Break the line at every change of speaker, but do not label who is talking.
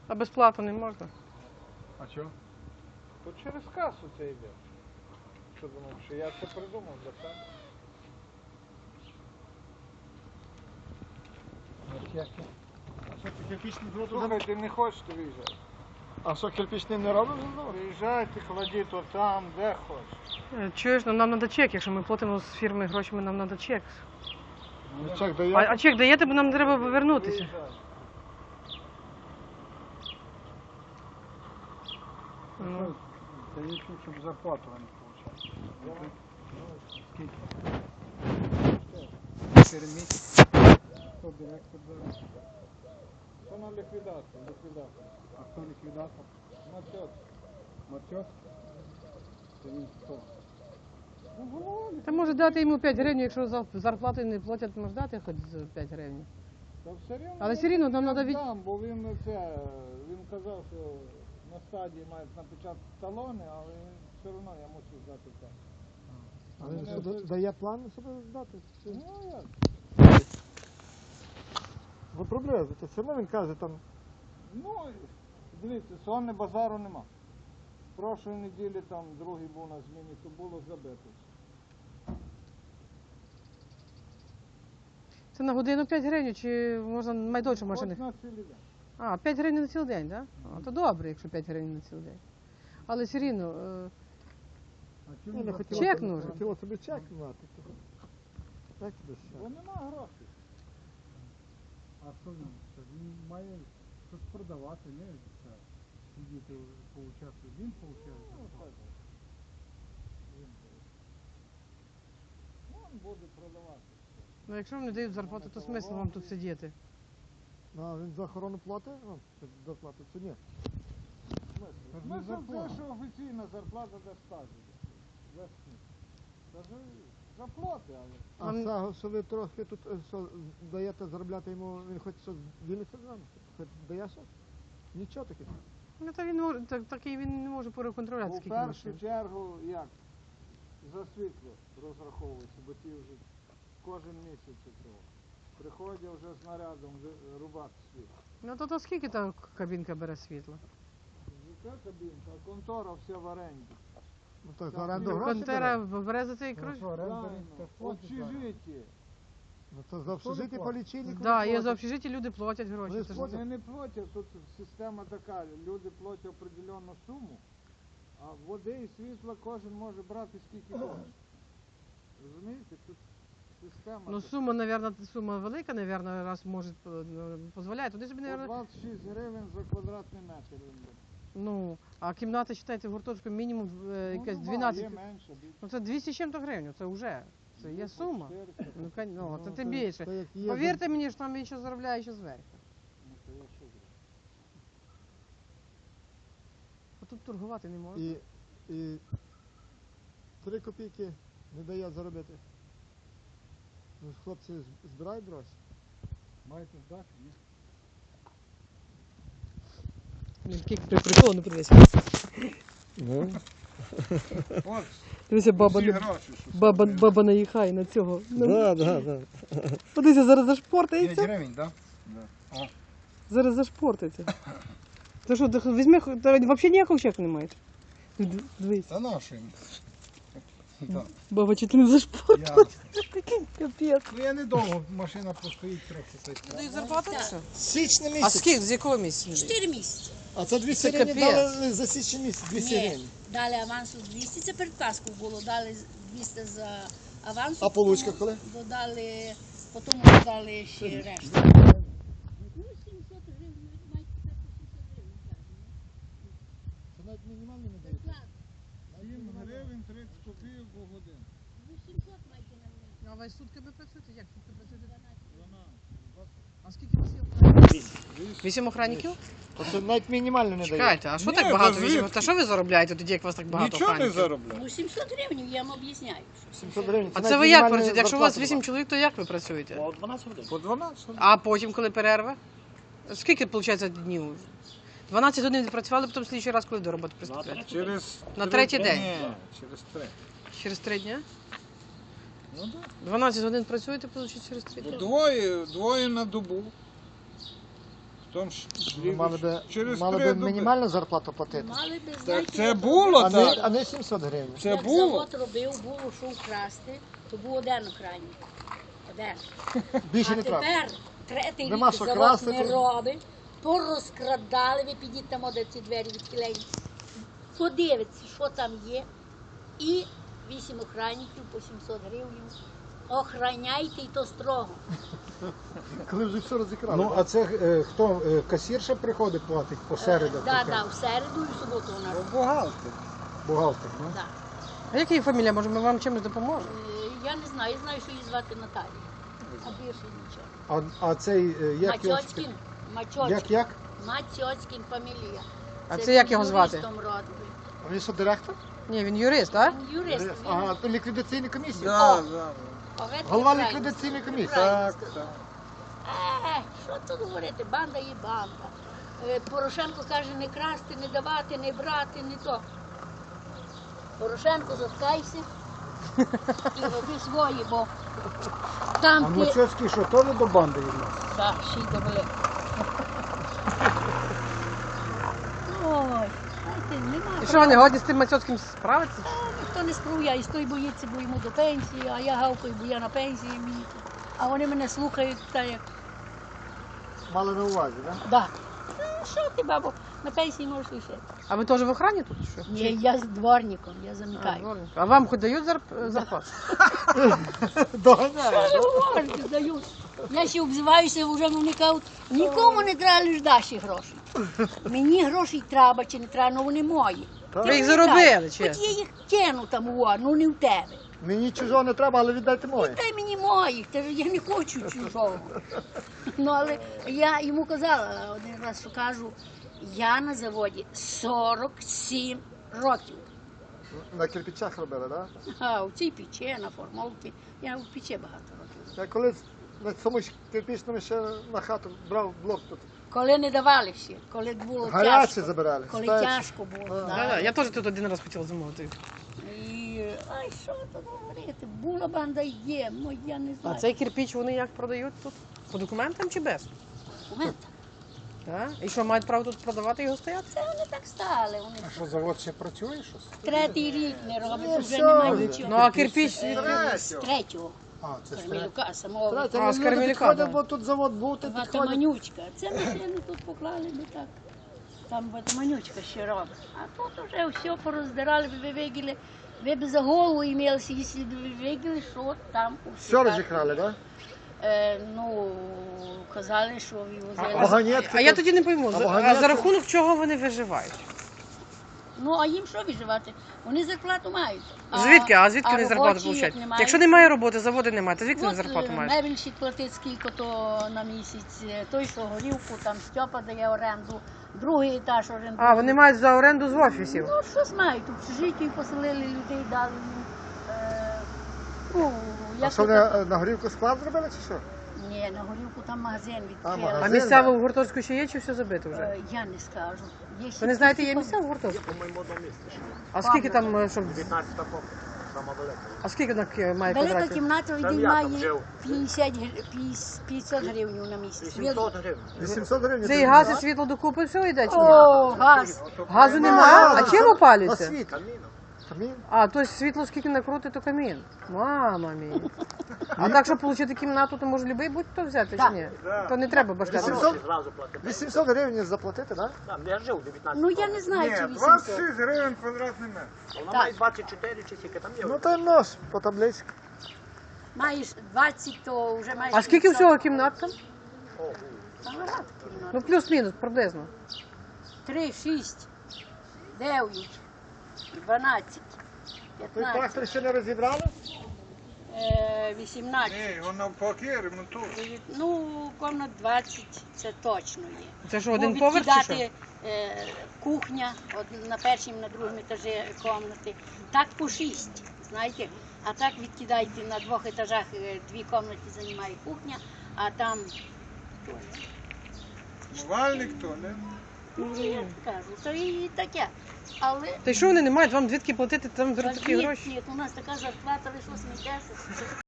А безплатно не можна?
А чого?
То через касу це йде. Що думав, що я це придумав для себе?
А що, ти кирпичний дрот?
Слухай, ти не хочеш, то виїжджай.
А що, кирпичний не робиш?
Виїжджайте, кладіть то там, де хочеш.
Чуєш, ну нам треба чек, якщо ми платимо з фірми грошами, нам треба чек.
Ну, чек дає.
А чек даєте, бо нам треба повернутися.
Виїжджай.
Ну,
Дають, щоб зарплату вони получали. Скільки? 4 місяці. Хто директор зараз?
Це на ліквідацію, ліквідацію.
А хто ліквідатор?
Матьот.
Матьот? Це він хто?
Ну, голова.
Та може дати йому 5 гривень, якщо за зарплату не платять, може дати хоч 5 гривень.
Та все рівно.
Але все рівно нам
я
треба від...
дам, бо він казав, що на стадії мають напечатати талони, але все одно я мушу здати так.
А він що, дає план себе здати?
Ну як?
Ви проблеми, то все одно він каже там.
Ну, дивіться, сьогодні базару нема. Прошлої неділі там другий був на зміні, то було забито.
Це на годину 5 гривень, чи можна майдовше
Хоч
машини?
на цілий день.
А, 5 гривень на цілий день, так? Да? То добре, якщо 5 гривень на цілий день. Але все рівно,
Ну, не хотіло
Чек
собі-
нужен.
Хотіло собі чек мати. Як тобі
Бо
ще?
нема грошей.
А що він? Він має щось продавати, не це, сидіти, поучаствувати. Він
Ну,
получає.
так. Він буде продавати.
ну якщо вам не дають зарплату, то смисл вам тут сидіти.
Ну, а він за охорону платить? Ну, доплатить чи ні?
Смисл те, що офіційна зарплата де стажу. Це ж заплати, але.
А
Він-
цього, що ви трохи тут що, даєте заробляти йому, він хоч щось ділиться з вами? Хоч дає щось? Нічого таке.
Ну то він може, такий він не може переконтролювати,
У
скільки
першу
машин.
чергу як? За світло розраховується, бо ті вже кожен місяць цього. Приходять вже з нарядом рубати світло.
Ну то скільки та кабінка бере світла?
Яка кабінка, а контора вся в оренді.
Ну так,
Так,
за оренду
ну,
гроші
Контера
бере?
бере за цей кружок?
Правильно, общежиття.
Ну то за общежиття по лічильнику.
Да,
не
є за
платять.
общежиття, люди платять гроші.
Вони
Це ж-
платять.
Вони не платять, тут система така, люди платять определенну суму, а води і світла кожен може брати скільки хоче. Розумієте, тут система.
Ну сума, мабуть, сума велика, мабуть, раз може дозволяє. Туди собі,
По
мабуть,
26 гривень за квадратний метр. він бере.
ну, а кімната, вважайте, в гуртожитку мінімум якась
Ну,
12.
Є менше, більше.
Ну це 200 з чим-то гривень, це вже. Це є сума.
400.
Ну, ну, це
Ну,
тим
то-
більше.
то як є,
Повірте мені, що там він ще заробляє ще зверху.
Ну, то я що зроблю?
А тут торгувати не можна.
І 3 копійки не дає заробити. Ну, хлопці збирають гроші.
Маєте здати, ні?
Він такий прикол, не подивися.
Ну.
От,
Дивися,
всі гроші, що
баба наїхає на цього.
Да.
Подивися, зараз
5
зашпортається.
гривень, так?
Зараз зашпортається. Ти що, ти візьми, ти взагалі ніякого чеку не маєш? Дивись.
Та нашим.
Баба, чи ти не зашпортила? Капець.
Ну я недовго, машина простоїть трохи.
Дають зарплату чи що?
Січний
А
місяць.
скільки, з якого місяця?
4 місяці.
А це 200
Це
гривень
капець.
дали за січний місяць, 200
Ні,
гривень.
дали авансу 200, це перед Пасхою було, дали 200 за авансу.
А получка
потім
коли?
Додали, потім додали ще решту. Ну, 700 гривень, маєте 700 гривень.
Це навіть мінімально не дають.
7 гривень 30 копійок у годину.
Ну, 700 маєте на мене.
А ви сутками працюєте? Як сутки працюєте?
12.
А скільки у вас є охранників? 8 охранників?
Це навіть мінімально не дають.
Чекайте, а що
Ні,
так багато
та
8?
звідки?
Та що ви заробляєте тоді, як у вас так багато
Нічого не
охранників?
заробляє.
Ну, 700 гривень, я вам об'ясняю. що
700 гривень.
А
навіть
це ви як
мінімальна
працюєте? Якщо у вас
зарплата
8
була.
чоловік, то як ви працюєте?
По 12.
А потім, коли перерва? Скільки, виходить, днів? 12 годин відпрацювали, потім слідчий раз, коли до роботи приступаєте?
Через
На
три
третій
дні.
день?
Ні, через 3.
Через 3 дні?
Ну так.
12 годин працюєте, виходить, через 3 дні?
Двоє на добу. потім
Мали би мінімальну зарплату платити.
Мали би,
Так
знаєте,
це
як
було
А не,
так.
а не 700 гривень.
Це
як
було.
завод робив, було що вкрасти, то був один охранник. Один.
Більше
А
не треба.
тепер третій
Нема
рік
що
завод
красти,
не
то-
робить, порозкрадали, ви підіть там, де ці двері відхилені. Подивіться, що там є. І 8 охранників по 700 гривень. Охраняйте, і то строго.
Коли вже все розікрали.
Ну, а це хто? Касірша приходить платить по середах?
Так, так, в середу і в суботу вона робить.
Бухгалтер.
Бухгалтер, ну?
Да.
А яка її фамілія? Може, ми вам чимось допоможемо?
Я не знаю, я знаю, що її звати Наталія. А більше нічого.
А цей, як його...
Матьоцькін. Матьоцькін.
Як?
Матьоцькін фамілія.
А це як його звати?
юристом родний.
А він що, директор?
Ні, він юрист, так?
Він юрист. Він
Ага, то ліквідаційна комісія.
Да, да.
поветник
Голова
правильно
ліквідаційної
сказав.
комісії.
Правильно
Так,
сказав.
так.
Що тут говорити? Банда є банда. Порошенко каже не красти, не давати, не брати, не то. Порошенко, заткайся і роби свої, бо
А
там ти...
Мацьоцький що, теж до банди відносить?
Так, ще й добре. Ой, знаєте, нема.
І що вони годні з тим Мацьоцьким справитися?
Ніхто не спруяє, і той боїться, бо йому до пенсії, а я гавкаю, бо я на пенсії мені. А вони мене слухають, та як,
Мали на увазі, так?
да. Що ти, бабо, на пенсії можеш лишити.
А ви теж в охрані тут? чи Що?
Ні, я з дворником, я
А,
замикаю.
дворник. А вам хоч дають зарплату?
Доганяє.
Що ви говорите, дають? Я ще обзиваюся, вже вони кажуть, нікому не треба лиш даші гроші. Мені грошей треба чи не треба, ну вони мої.
Ви їх заробили,
Хоч
чесно.
я їх кину там, ну не в тебе.
Мені чужого не треба, але віддайте моє.
Дай мені моїх, та ж я не хочу чужого. Ну, але я йому казала один раз, що кажу, я на заводі 47 років.
На кирпичах робили, так?
А у цій печі, на формовці, я в печі багато років.
Я колись на цьому ж кирпичному ще на хату брав блок тут.
Коли не давали ще, коли було
Гарячі
тяжко.
забирали.
Коли
спеці.
тяжко було.
Да, я теж тут один раз хотіла замовити.
І, ай, що тут говорити, була банда є, ну я не
А
знаю.
цей кирпіч вони як продають тут? По документам чи без?
Документи.
Так? І що, мають право тут продавати і його стояти?
Це вони так стали, вони
А що, завод ще працює щось?
третій рік не роблять, вже
все
немає
вже.
нічого.
Ну а кирпіч
З третього.
А, це ж
Кармелюка, самого
Знаєте,
А, з
люди
Кармелюка,
підходять,
да.
бо тут завод був, тут підходять.
Ватаманючка. Це машини тут поклали, ми так. Там ватаманючка ще робить. А тут вже все пороздирали, ви виділи. Ви б за голову імелися, якщо б ви виділи, що там у
Все розікрали, так?
Ну, казали, що
А
вивозили.
вагонетки
А я
тут-
тоді не пойму,
А
а
вагонетки?
за рахунок чого вони виживають?
Ну, а їм що виживати? Вони зарплату мають.
Звідки? А звідки вони зарплату
робочі, як
получають?
немає,
Якщо немає роботи, заводи немає, то звідки вони зарплату мають?
Мебельщик платить скільки то на місяць, той, що горівку, там Стьопа дає оренду, другий етаж орендує.
А, вони мають за оренду з офісів.
Ну, щось мають, общежиття і поселили людей, дали їм. Ну,
А
як
що
то
вони
так?
на горівку склад зробили чи що?
Ні, на горівку там магазин відкрили.
магазин.
А місця в Гуртовську ще є чи все забито вже?
Я не скажу. Є ще
Ви не знаєте, є
такі
місця в Гуртовську?
По-моєму, одному місці ще.
А скільки там, щоб...
19 поки, сама велика.
А скільки має
Велика
квадратів?
кімната
Там
один
я там
має
жив.
500 гривень на місяць.
800 гривень. 800 гривень.
Це і газ, і світло докупи, все йде чи ні?
О, газ.
Газу немає? А чим
На
опалюється?
світ. Камін.
А, то світло скільки накрути, то камін. Мама мій. А так, щоб отримати кімнату, то може любий будь-хто взяти чи
Так.
ні? То не треба башляти.
800 гривень заплатити, так?
Ну я не знаю, чи
Ні,
800.
26 гривень квадратний метр.
Вона має 24 чи скільки там є.
Ну то й нож по табличці.
Маєш 20, то вже маєш.
А скільки
50.
всього кімнат там?
Та багато кімнат.
Ну, плюс-мінус, приблизно.
3, 6, 9, 12,
Той
15,
трактор ще не розібрали?
18.
Ні, воно навпаки ремонтує.
Ну, комнат 20, це точно є.
Це що,
Бо
один поверх чи що?
відкидати, кухня, на першому, на другому етажі комнати. Так по 6, знаєте. А так відкидайте на 2 етажах 2 комнати займає кухня, а там
Мувальник то, не?
ну, я кажу, то і таке. Але
Та й що вони не мають? Вам звідки платити, там беруть такі
ні,
гроші?
ні, у нас така зарплата, ви що смієтеся?